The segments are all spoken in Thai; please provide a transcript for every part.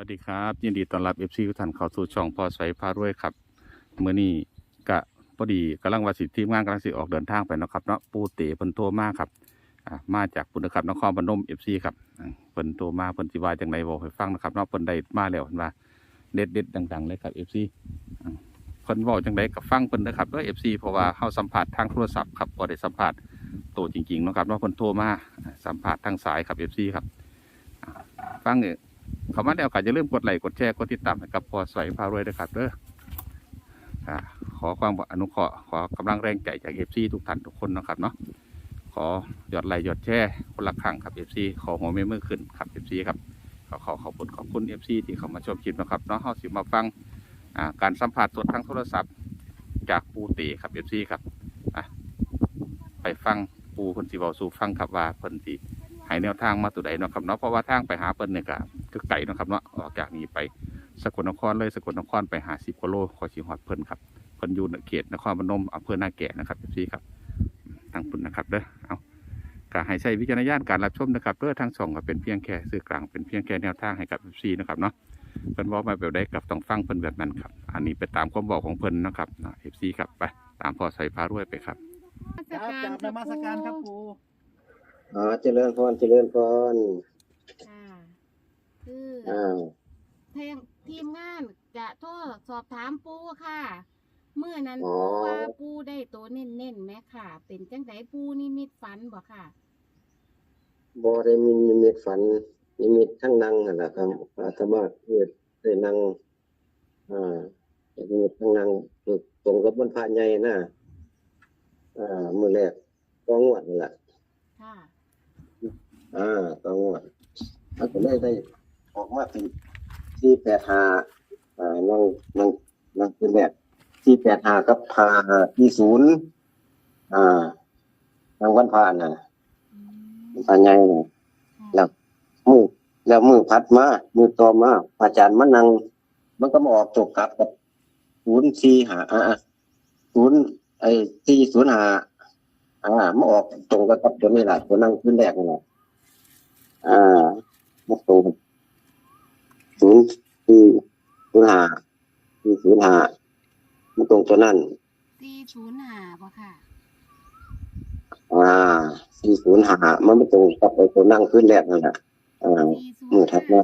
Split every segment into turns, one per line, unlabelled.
วัสดีครับยินดีต้อนรับFC ทุกท่านเข้าสู่ช่องพอใสพารวยครับมื้อนี้ก็พอดีกำลังว่าสิทีมงานกำลังสิออกเดินทางไปเนาะครับเนาะปูเต๋เพิ่นโทรมาครับมาจากปุ่นนะครับนครพนม FC ครับเพิ่นโทรมาเพิ่นสิว่าจังไดบอกให้ฟังนะครับเนาะเพิ่นได้มาแล้วเพิ่นว่าเด็ดๆดังๆเลยครับ FC อ่าเพิ่นเว้าจังไดก็ฟังเพิ่นเด้อครับเด้อ FC เพราะว่าเฮาสัมภาษณ์ทางโทรศัพท์ครับบ่ได้สัมภาษณ์ตัวจริงๆเนาะครับเนาะเพิ่นโทรมาสัมภาษณ์ทางสายครับ FC ครับฟังเขามาแล้วก็อย่าลืมกดไลค์กดแชร์กดติดตามให้กับพอใสพารวยด้วยครับเด้อขอความอนุเคราะห์ขอกำลังแรงใจจาก FC ทุกท่านทุกคนนะครับเนาะขอยอดไลค์ยอดแชร์คนละครั้งครับ FC ขอหัวแม่มือขึ้นครับ FC ครับขอขอบคุณ FC ที่เขามาชมคลิปนะครับเนาะเฮาสิมาฟังการสัมผัสสดทางโทรศัพท์จากปูเต๋ครับ FC ครับไปฟังปูเพิ่นสิเว้าสู่ฟังครับว่าเพิ่นสิให้แนวทางมาตัวใดเนาะครับเนาะเพราะว่าทางไปหาเพิ่นเนี่ยก็ไกลเนาะครับเนาะออกจากนี้ไปสกลนครเลยสกลนครไป50กิโลขอสิฮอดเพิ่นครับเพิ่นอยู่ในเขตนครพนมอำเภอนาแก่นะครับพี่ครับทางปุ่นนะครับเด้อเอาก็ให้ใช้วิจารณญาณการรับชมนะครับเด้อทางช่องก็เป็นเพียงแค่สื่อกลางเป็นเพียงแค่แนวทางให้กับพี่นะครับเนาะเพิ่นบอกมาแบบใดกับต้องฟังเพิ่นแบบนั้นครับอันนี้ไปตามความบอกของเพิ่นนะครับพี่ครับไปตามพอใส่พารวยไปครับ
ครับกราบนมัสการครับปู่
เจริญพรเจริญพร
ค่ะคือทีมงานจะโทรสอบถามปู่ค่ะเมื่อนั้นปู่ว่าปู่ได้ตัวเน้นๆไหมค่ะ เป็นจังไดปู่นิมิตฝันบ่ค่ะ
บ่ได้มีนิมิตฝันนิมิตทั้งนั่งนั่นแหละครับอาตมาได้นั่งนิมิตทั้งนั่งตรงกับวันพระใหญ่นะมื้อแรกต้องงวดนั่นแหละ
ค่ะ
ต้องงวดแล้วก็ได้ออกมาเป็น485นั่งเป็นแรก485กับ540ทางวันพระน่ะพระใหญ่น่ะแล้วมือพัดมามือต่อมาอาจารย์มานั่งมันก็มาออกตกกลับกับ405มาออกตรงกับตัวนี้แหละตัวนั่งขึ้นแรกนี่แหละมาตรง405มาตรงตัวนั้น
405บ่ค่ะ
405มันไม่ตรงกับตัวนั่งขึ้นแรกนั่นแหละมือทัดมา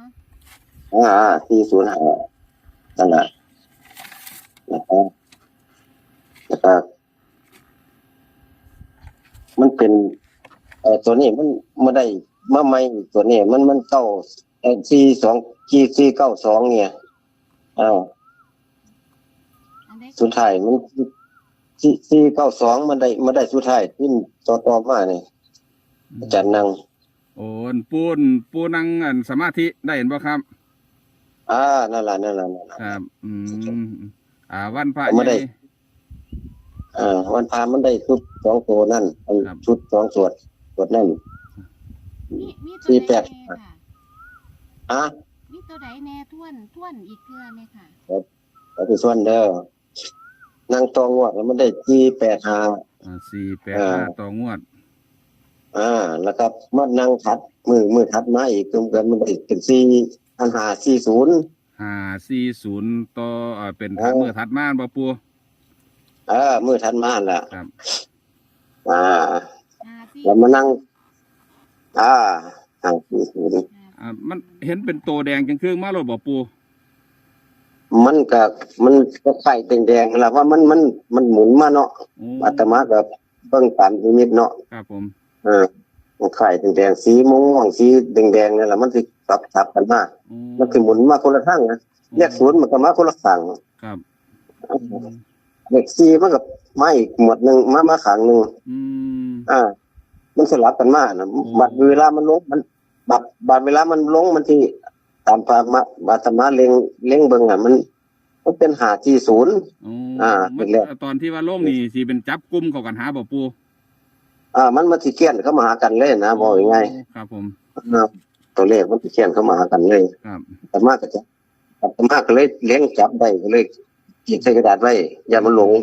405นั่นแหละแล้วก็มันเป็นตัวนี้มันไม่ได้มาใหม่ตัวนี้มันเก้า492เนี่ยสุดท้ายมัน492มันได้สุดท้ายขึ้นต่อมานี่อาจารย์นั่ง
โอ้ปูนั่งสมาธิได้เห็นบ่ครับ
นั่นแหละ
ครับวันพระ
ไม่ได้วันพระมันได้ชุด2ตัวนั่นชุด2สวดนั่น
มีตัวใดมีตัวใดแน่ท่วนอีกเทื่อมั้ยค่ะ
แล้วที่ส่วนเด้อนั่งตองวดแล้วมันได้
485ต่องวด
แล้วก็มานั่งทัดมือทัดมาอีกกันมันได้เป็น
540ต่อเป็นทัดมือทัดมาบ่ปู่
มือทัดมาล่ะ
ครับ
แล้วมานั่ง
มันเห็นเป็นโตแดงจังครึ่งมาแล้วบ่ปู่
มันก็ไข่แดงๆล่ะว่ามันหมุนมาเนาะอาตมาก็เบิ่งตามนิมิตเนาะ
ครับผม
มันไข่แดงๆสีม่วงสีแดงๆนั่นแหละมันสิทับกันมามันสิหมุนมาคนละทางนะเลข0มันก็มาคนละข้าง
ครับ
เลข4มันก็มาอีกหมวดนึงมาข้างนึงมันสลับกันมานะบัดเวลามันลงมันบัดเวลามันลงมันที่ตามบาตมาเล็งเบิ่งมันเป็น540
ตอนที่ว่าลงนี่สิเป็นจับกุมเข้ากันหาบ่ปู่
มันมาสิเขียนเข้ามาหากันเลยนะบอกง่าย
ๆครับผม
ตัวเลขมันสิเขียนเข้ามาหากันเลย
ครับ
แต่มากก็เลยเลี้ยงจับได้ก็เลยขีดใส่กระดาษไว้อย่ามันหลง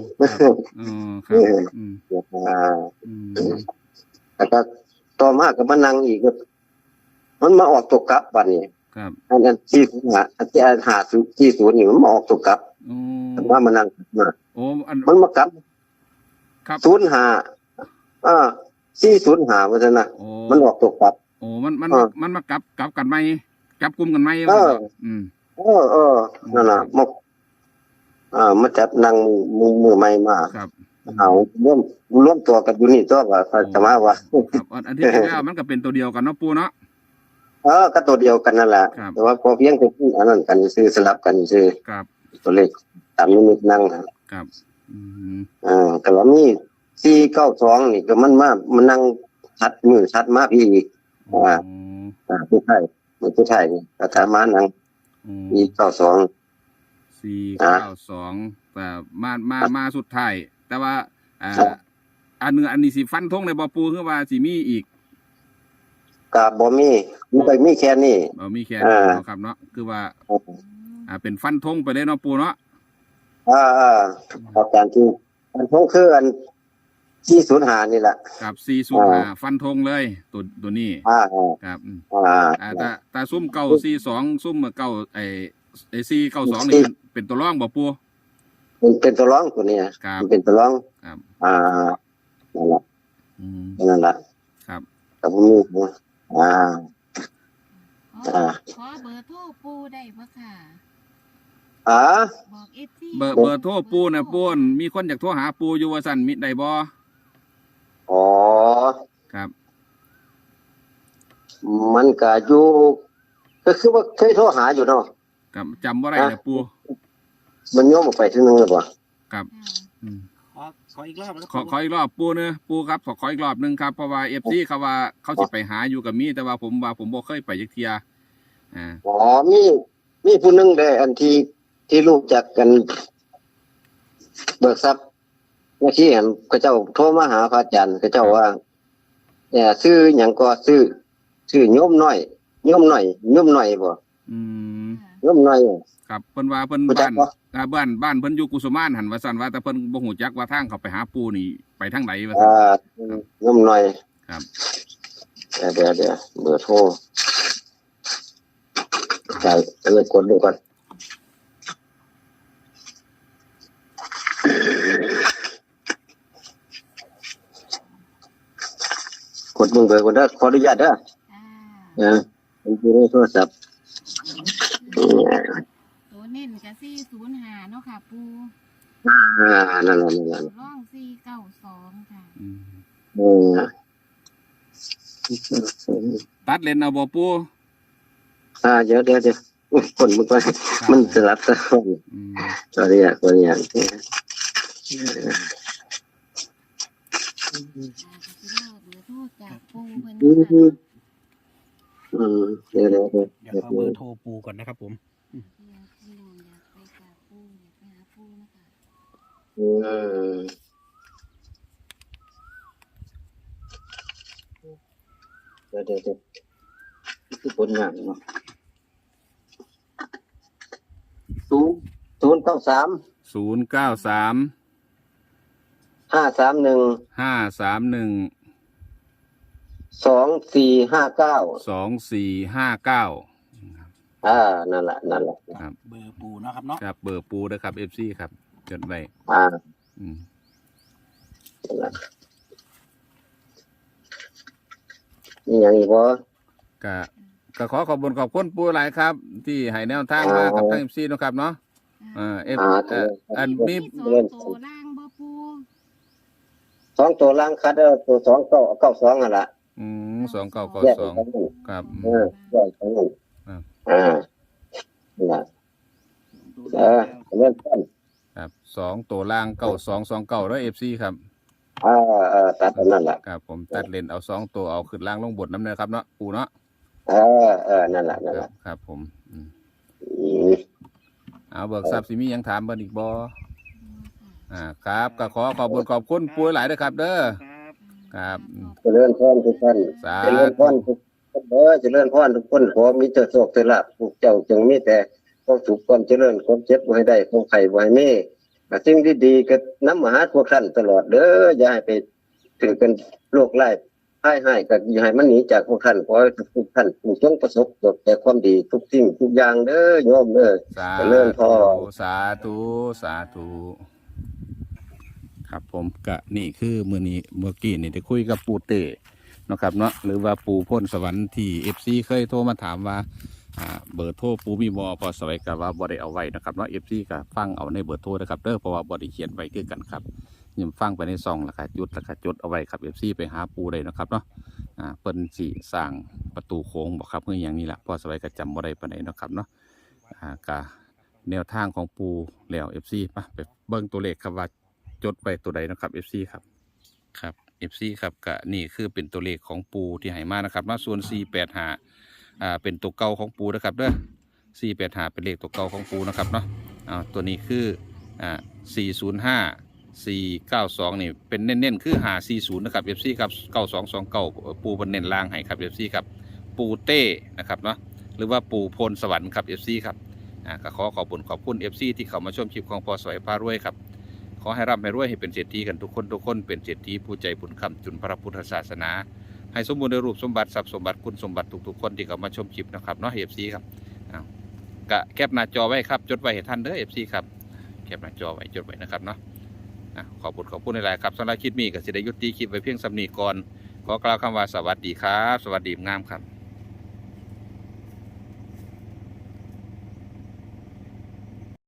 แล้วก็ต่อมาก็มานั่งอีกมันมาออกตกกลับบัดนี้
ครับ
อันที่อันที่หาที่ศูนย์นี่มันออกตัวกลับ
โอ้
ว่ามันนั่งมา
โอ้อัน
มันมากลับ
ครับ
ศูนย์หา405ว่าซั่นน่ะ
โอ้
มันออกตัวกลับ
โอ้มัน
เออ
มันมากลับกันไหมจับกลุ่มกันไหม
เออ
อืม
นั่นน่ะมาจับนั่งมือใหม่มา
ครับ
เอาร่วมตัวกันอยู่นี่ตัวว่าจะมาว่า
ครับอันที่จริงแล้วมันก็เป็นตัวเดียวกันเนาะปูเนาะ
ก็ตัวเดียวกันนั่นแหละ
ครับ
แต่ว่าพอเพียงแต่อันนั้นกันซื้อสลับกันซื้อ
ครับ
ตัวเลขตามนิมิตนั่งครับ
ครับอืม
แต่ว่ามี492นี่ก็มันนั่งชัดมือชัดมาพี่อีก
โอ้
ผู้ไทยนี่ก็ถามมานั่ง492
492แต่มาสุดท้ายแต่ว่าอันนี้สิฟันธงในบ่ปูคือว่าสิมีอีก
ก็บ่มีมันก็มีแค่นี้
มีแค่นี้เนาะครับเนาะคือว่า เป็นฟันธงไปเลยเนาะปูเนาะ
อาจารย์ที่อันพงคืออัน405นี่แหละ
กับ405ฟันธงเลยตัวนี้ครับแต่ซุ่มเก่า42ซุ่มเก่าไอ้492นี่เป็นตัวรองบ่ปู
มันเป็นตัวร้องตัวนี้
ครับ
มันเป็นตัวร้อง
ครับ
นั่นแหละ
อืม
นั่นแหละ
ครับ
แต่ผมมี
ขอเบอร์โทรปูได้ปะค่ะบอกFC
เบอร์โทรปูนะปูนมีคนอยากโทรหาปูอยู่ว่าสั่นมิได้บ่
อ๋อ
ครับ
มันก็อยู่ก็คือว่าเคยโทรหาอยู่เนาะ
ครับจำว่าไรนะปู
มันโยมออกไปทีนึงหรือเปล่า
ครับอืม
ขออีกรอบนะ
ขออีกรอบปูเนอะปูครับขออีกรอบหนึงครับเพราะว่าFCเขาว่าเขาสิไปหาอยู่กับมีแต่ว่าผมบ่เคยไปจักเที่ย
อ๋อมีผู้หนึงได้อันที่รู้จักกันเบิกทรัพย์เมื่อกี้เห็นเขาเจ้าโทรมาหาพระอาจารย์เขาเจ้าว่าซื้อหยังก็ซื้อโยมน้อยบ่
อืม
โยมน้อย
ครับเพิ่นว่าเพิ่น
รู้จักบ่
บ้านเพิ่นอยู่กุสุมานหันว่าซั่นว่าแต่เพิ่นบ่ฮู้จักว่าทางเขาไปหาปูนี่ไปทางไหนว่าซั่น
โยมน้อย
ครับ
เดี๋ยวเบอร์โทรใช่กดดูก่อนกดเบอร์ก่อนเด้อขออนุญาตเด้อผมอยู่ในโทรศัพท์
ตัวเน้นกับ405เนาะค่ะปู
นั่น
ร่อง492ค่ะ
ตัดเลนเอาบ่ปู
เดี๋ยวคนมึงไปมันสลับซะ
อืม
ขออนุญาต
ก็สิเลิกเบอร์โทรจากปูเพิ่นเนาะค่ะ
เดี๋ยว
เดี๋ยวขอเบอร์โทรปูก่อนนะครับผม
พี่น้องอยากไปกราบปูอยากไปหาปูนะคะ
เดี๋ยวคือผลงานเนาะ093
093
531
531
2459
2459
นั่นแหละ
ครับ
เบอร์ปูเนาะครับเนาะ
ครับเบอร์ปูนะครับ FC ครับจดไว้อืม
นั่นแหละนี่อย่างอีกบ่
ก็ขอขอบคุณปูหลายครับ ที่ให้แนวทางมากับทาง FC เนาะครับเนาะอันมี
ตัวล่างบ่ปู
2ตัวล่างคัดตัว292นั่นล่ะ
2992ครับ
แยกกันนั่นนั่นล่ะเริ่มต้น
ครับ2ตัวล่าง9229แล้ว FC ครับ
ตัดนั่นล่ะ
ครับผมตัดเลนเอา2ตัวเอาขึ้นล่างลงบนน้ำเนื้อครับเนาะปูเนาะ
นั่นล่ะ
ครับผมเอาเบิกทรัพย์สิมีหยังถามเบิ่นอีกบ่ครับก็ขอบคุณปูหลายเด้อครับเด้อครับ
เจริญพรทุกท่านเจริญพรทุกคนเจริญพรทุกคนขอมีแต่โชคแต่ลาภพวกเจ้าจงมีแต่ความสุขความเจริญความเจ็บบ่ให้ได้ความไข้บ่ให้มีสิ่งดีๆก็นำมาหาพวกท่านตลอดเด้ออย่าให้ไปถือกันโรคร้ายให้ก็อย่าให้มันหนีจากพวกท่านขอให้ทุกท่านจงประสบแต่ความดีทุกสิ่งทุกอย่างเด้อโยมเด้อ
สา
เจริญพร
สาธุสาธุครับผมก็นี่คือเมื่อกี้นี่ได้คุยกับปูเต้นะครับเนาะหรือว่าปูพ่นสวรรค์ที่ FC เคยโทรมาถามว่าเบอร์โทรปูมีบ่พอสวัยกับว่าบ่ได้เอาไว้นะครับเนาะ FC ก็ฟังเอาในเบอร์โทรนะครับเด้อเพราะว่าบ่ได้เขียนไว้คือกันครับยิ่งฟังไปในซองแล้วก็จดเอาไว้ครับ FC ไปหาปูได้นะครับเนาะเปิ้นสิสร้างประตูโค้งบ่ครับเพื่ออย่างนี้ล่ะพอสวัยก็จำบ่ได้ปานใดนะครับเนาะก็แนวทางของปูแล้ว FC ไปเบิ่งตัวเลขครับว่าจดไว้ตัวใดนะครับ FC ครับ FC ครับก็นี่คือเป็นตัวเลขของปูที่ให้มานะครับเนาะส่วน485เป็นตัวเก่าของปูนะครับเด้อ485เป็นเลขตัวเก่าของปูนะครับเนาะตัวนี้คือ405 492นี่เป็นเน้นๆคือ540นะครับ FC ครับ9229ปูเป็นเน้นล่างให้ครับ FC ครับปูเต้นะครับเนาะหรือว่าปูพลสวรรค์ครับ FC ครับก็ขอบคุณ FC ที่เข้ามาชมคลิปของพอสวยพารวยครับขอให้ร่ำให้รวยให้เป็นเศรษฐีกันทุกคนเป็นเศรษฐีผู้ใจบุญคำจุนพระพุทธศาสนาให้สมบูรณ์ในรูปสมบัติทรัพย์สมบัติคุณสมบัติทุกคนที่เข้ามาชมคลิปนะครับเนาะ FC ครับกะแคปหน้าจอไว้ครับจดไว้ให้ท่านเด้อ FC ครับแคปหน้าจอไว้จดไว้นะครับเนาะขอบคุณหลายๆครับสำหรับคลิปนี้ก็สิได้ยุติคลิปไว้เพียงสำนีก่อนขอกล่าวคำว่าสวัสดีครับสวัสดีงามครับ